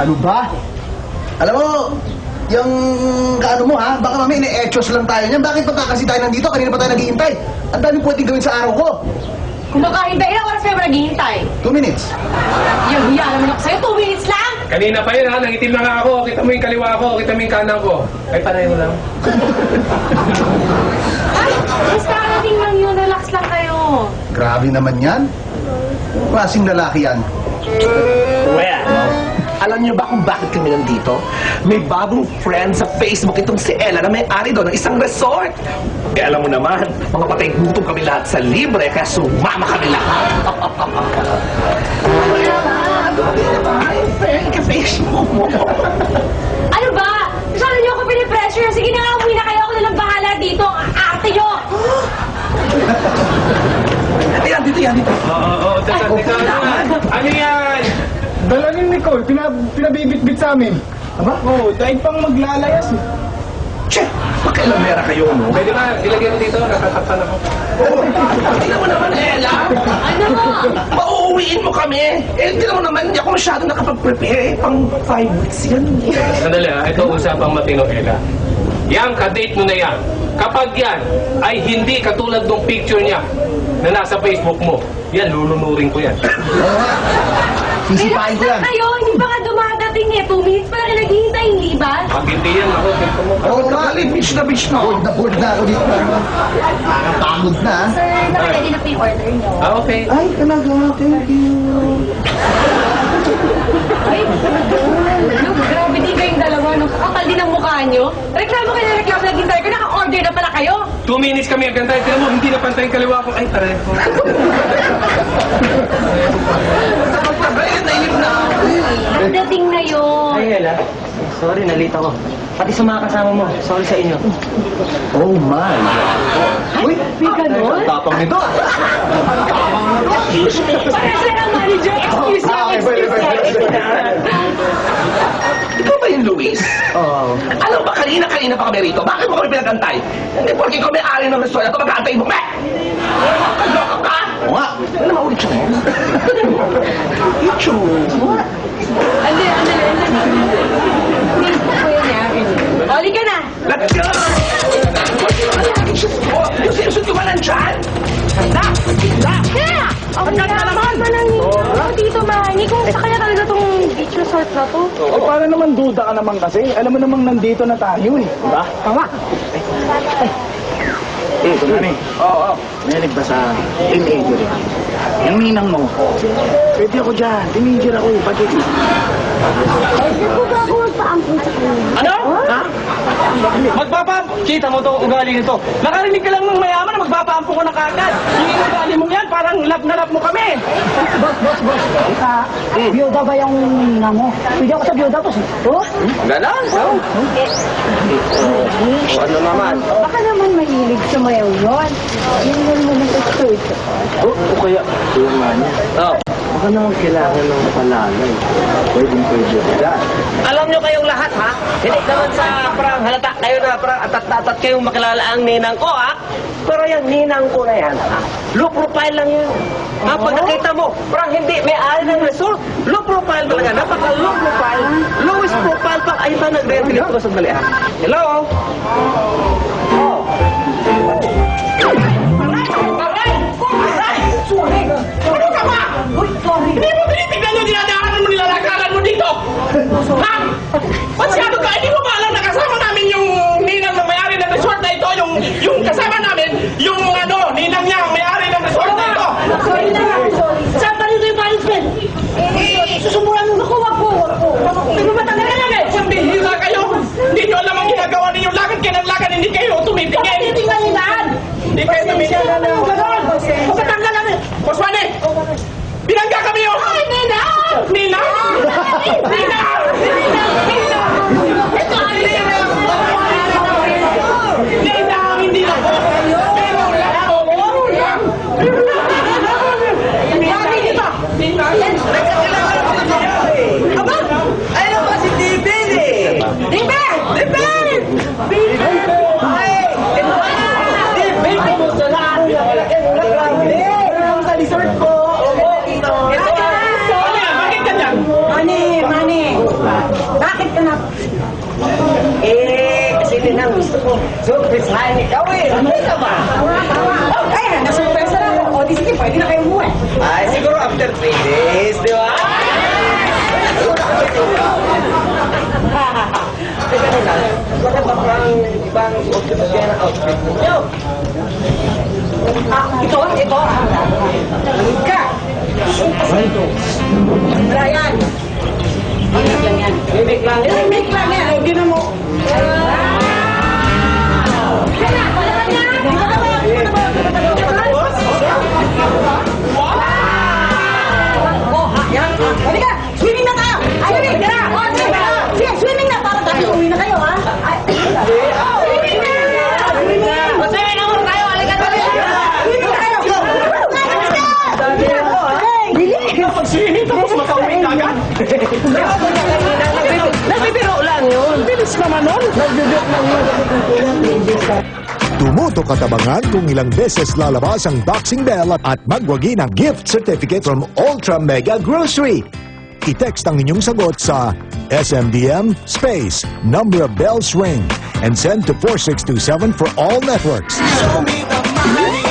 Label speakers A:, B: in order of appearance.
A: Ano ba? Alam mo, yung kaano mo ha, baka mamaya ine-echos lang tayo niyan. Bakit pa kasi tayo nandito? Kanina pa tayo naghihintay. Ang dami pwedeng gawin sa araw ko.
B: Kung makahintay, ilang oras kayo ba naghihintay?
A: 2 minutes.
B: Yung hiya naman ako sa'yo, 2 minutes lang!
C: Kanina pa yun ha, nangitim na nga ako. Kita mo yung kaliwa ko, kita mo yung kanan ko. Ay, pareho lang.
B: Ay, basta karating lang yun, relax lang kayo.
A: Grabe naman yan. Klaseng lalaki yan.
D: Well, alam niyo ba kung bakit kami nandito? May bagong friend sa Facebook itong si Ella na may-ari doon ng isang resort. Eh, alam mo naman, mga patay gutom kami lahat sa libre, kaya sumama kami lahat. Ay, friend, ka-Facebook mo.
B: Ano ba? Masyado niyo ako pinipressure. Sige na nga, umuwi na kayo. Ako na lang bahala dito. Ang arte niyo!
D: Yan, dito, yan, dito.
C: Oo, teka. Ano yan?
E: Dala ni Nicole, pinabibit-bit sa amin.
D: Aba?
E: Oo, dahil pang maglalayas eh.
D: Che, magkailamera kayo, no?
C: Pwede ba, ilagay mo dito, nakatapan ako.
D: Tingnan mo naman, Ella.
B: Ano mo?
D: Pauuwiin mo kami. Eh, tingnan mo naman, hindi ako masyado nakapag-prepare. Eh, pang 5 weeks yan.
C: Sandali ha, ito usapang matino, Ella. Yang ka-date mo na yan. Kapag yan ay hindi katulad ng picture niya na nasa Facebook mo, yan, lulunurin ko yan.
A: Sisipain ko yan.
B: Kayo, hindi pa nga dumadating eh. 2 minutes pa lang naghihintay, hindi ba?
C: Pag hindi yan, ako, dito mo.
A: Oo nga.
D: Bitch na
A: Bored na ako dito. Napagod na.
B: Sir, nakaready na po yung order niyo.
C: Ah, okay.
A: Ay, talaga. Thank you.
B: Ay, look, grabe din kayong dalawa, no? Kakapal din ang mukha niyo. Reklamo kayo na reklamo, naghintay ko, naka-order na pala kayo.
C: 2 minutes kami agantay. Tignan mo, hindi na pantay yung kaliwa ko. Ay, pareho.
B: Ang dating na yun.
F: Ay, Ella. Sorry, nalita ko. Pati sa mga kasama mo, sorry sa inyo.
A: Oh my. Uy,
B: May ganon?
A: tapang nito.
B: Para sila ang manager. Excuse me.
D: Ikaw ba yung Luis?
A: Oo.
D: Alam ba, kanina pa kami rito. Bakit mo kami pinagantay? Hindi porke kami ari ng restaurant ito, mag-aantay mo kami! Kaloka ka!
A: Oo nga.
D: Ano naman ulit siya? YouTube!
B: Andi. Kuya niya. Oli ka na.
D: Let's go! Yung sinusot ko ba nandyan? Handa!
B: Kaya! Ang naman ba lang dito, Manny? Kung sa kanya talaga tong beach resort na to?
E: Eh, para naman duda ka naman kasi. Alam mo namang nandito na tayo eh. Diba? Tama. Ano Oo. Narinig ba sa teenager yan? Yung ninang mo. Pwede ako dyan. Teenager ako eh. Bakit?
F: Ano? Ha? Magpapampo! Kita mo to ugali nito. Nakarinig ka lang ng mayaman na magpapampo ko na kagad. Yung ugali mong yan, parang love na love mo kami.
G: Biyuda ba yung nina mo? Pwede ako sa biyuda ko. Oh?
F: Ganon? O ano naman?
G: Baka naman mahilig sa mayaw yun. Yun naman ang third.
F: O kaya, tulungan niya. Oo. Baka naman kailangan ng palalay. Pwede ka. Alam nyo kayong lahat, ha? Hindi naman sa parang halata kayo na parang atat-atat kayong makilala ang ninang ko, ha? Pero yung ninang ko na yan, ha? Low profile lang yan. Ha? Pag nakita mo, parang hindi may-ari ng resort. Low profile talaga. Napaka-low profile. Lowest profile pa. Ayun ba, nag-retilip ko sa bali, ha? Hello? Oh.
D: Ano ka ba? Hindi mo tinitignan yung dinadaanan mo, nilalakaran mo dito! Ha? Masyado ka, hindi mo ba alam na kasama namin yung ninang na may-ari ng resort na ito? Yung kasama namin, yung ano, ninang niya, may-ari ng resort na ito!
G: Sorry na lang.
B: Saan pa rin yung management?
G: Susumuran mo ako. Wag po.
D: Pero matagal na eh! Kung bihira kayo, hindi nyo alam ang ginagawa ninyo. Lakad kayo ng lakad, hindi kayo tumitingin!
G: Titingnan nila.
D: Hindi kayo tumitingin! Ganon! Pagkatanggal namin! Boss Manny! Binangga kami yun! Ay, Ninang! Ninang! Ninang! Ito ang Ninang! Ninang! Hindi na po! Pero wala po! Ninang! Ninang! Aba! Ayun ba si Dibin eh! Dibin! Dibin! Ay! Dibin! Kumusta na? Sa resort ko! Bakit ka dyan?
G: Mani.
F: Surpresahan ikaw eh. Ano ka ba?
B: Ay, nasurpresa na ako. O, di sige, pwede na kayo umuwi.
F: Ay, siguro after 3 days, di ba? Teka na lang, bakit ba parang ibang outfit kaya ng outfit ninyo?
B: Ito. Ka! Brian! Mimik lang yan.
F: Mimik lang yun.
B: Mimik lang yan. O, gina mo. Kaya, wala ka na. Di ba ka ba? Oh, yan. Halika, swimming na tayo. Swimming na. Sige, swimming na. Para tayo uwi na kayo, ha? Swimming na. Swimming na.
F: Swimming na muna tayo. Halika na.
B: Swimming na kayo.
D: Pag-swimming tapos makauwi ka agad.
F: Nagbibiro lang yun.
D: Bilis naman nun.
H: Tumutok at abangan kung ilang beses lalabas ang boxing bell at magwagi ng gift certificate from Ultra Mega Grocery. I-text ang inyong sagot sa SMDM space number of bells ring and send to 4627 for all networks.
A: Show me the money.